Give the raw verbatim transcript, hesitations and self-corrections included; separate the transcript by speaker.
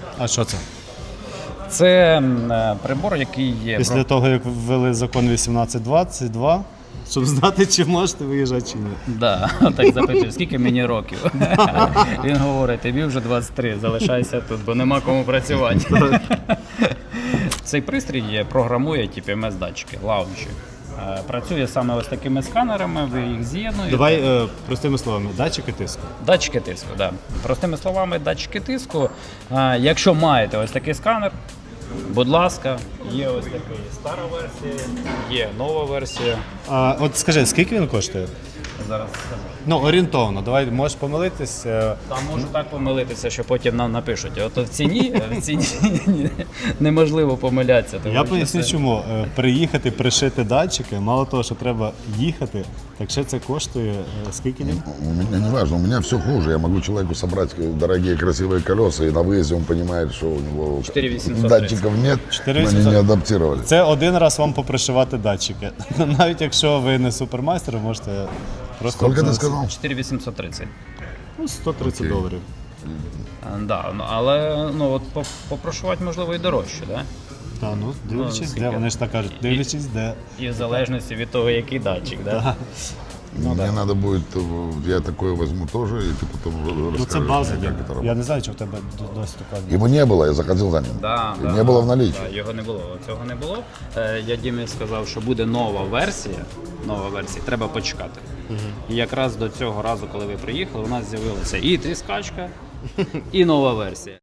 Speaker 1: А що це?
Speaker 2: Це е, прибор, який є.
Speaker 1: Після
Speaker 2: про-
Speaker 1: того, як ввели закон вісімнадцять двадцять два, щоб знати, чи можете виїжджати, чи ні.
Speaker 2: Да, так запитує, скільки мені років. Він говорить, тобі вже двадцять три, залишайся тут, бо нема кому працювати. Цей пристрій програмує ті пі ем ес-датчики, лаунчі. Е, Працює саме ось такими сканерами, ви їх з'єднуєте.
Speaker 1: Давай е, простими словами, датчики тиску.
Speaker 2: Датчики тиску, да. Простими словами, датчики тиску. А, якщо маєте ось такий сканер, будь ласка, є ось такий стара версія, є нова версія.
Speaker 1: А, от скажи, скільки він коштує?
Speaker 2: Зараз скажу.
Speaker 1: Ну, орієнтовно, давай, можеш помилитись. е,
Speaker 2: Там можу так помилитися, що потім нам напишуть. От в ціні, в ціні неможливо помилятися. тому
Speaker 1: Я
Speaker 2: що
Speaker 1: поясню,
Speaker 2: це-
Speaker 1: чому. Е, Приїхати, пришити датчики, мало того, що треба їхати, так ще це коштує е, скільки днів?
Speaker 3: У меня не важно, у меня все хуже. Я могу человеку собрать дорогие красивые колеса, и на выезде он понимает, что у него
Speaker 2: четыре тысячи восемьсот
Speaker 3: датчиков нет,
Speaker 1: четыре
Speaker 3: но
Speaker 1: тысячи
Speaker 3: они не
Speaker 1: восемьсот.
Speaker 3: адаптировали.
Speaker 1: Це один раз вам попришивати датчики. Навіть якщо ви не супермайстер, ви можете просто...
Speaker 3: Сколько ты
Speaker 1: за-
Speaker 3: сказал?
Speaker 2: чотири тисячі вісімсот тридцять.
Speaker 1: Ну, сто тридцять
Speaker 3: Окей.
Speaker 1: доларів.
Speaker 2: А, да, ну, але ну, от по- попрошувати можливо і дорожче, да?
Speaker 1: Та, ну, дивлячись, де,
Speaker 2: скільки?
Speaker 1: вони ж так кажуть, дивлячись, де.
Speaker 2: І в залежності від того, який датчик. Да?
Speaker 3: Мне надо будет, э, я такое возьму тоже, и ты потом
Speaker 1: Ну, це
Speaker 3: расскажешь
Speaker 1: база.
Speaker 3: мне,
Speaker 1: Я,
Speaker 3: как это
Speaker 1: я
Speaker 3: работает.
Speaker 1: не знаю, чи в тебе д- досі така.
Speaker 3: Его не было, я заходил за ним.
Speaker 2: Да,
Speaker 3: И
Speaker 2: да,
Speaker 3: не было в
Speaker 2: да,
Speaker 3: наличии.
Speaker 2: да, його не було. Цього не було. Е, Я Дімі сказав, що буде нова версія. Нова версія, треба почекати. І якраз до цього разу, коли ви приїхали, у нас з'явилася і тріскачка, і нова версія.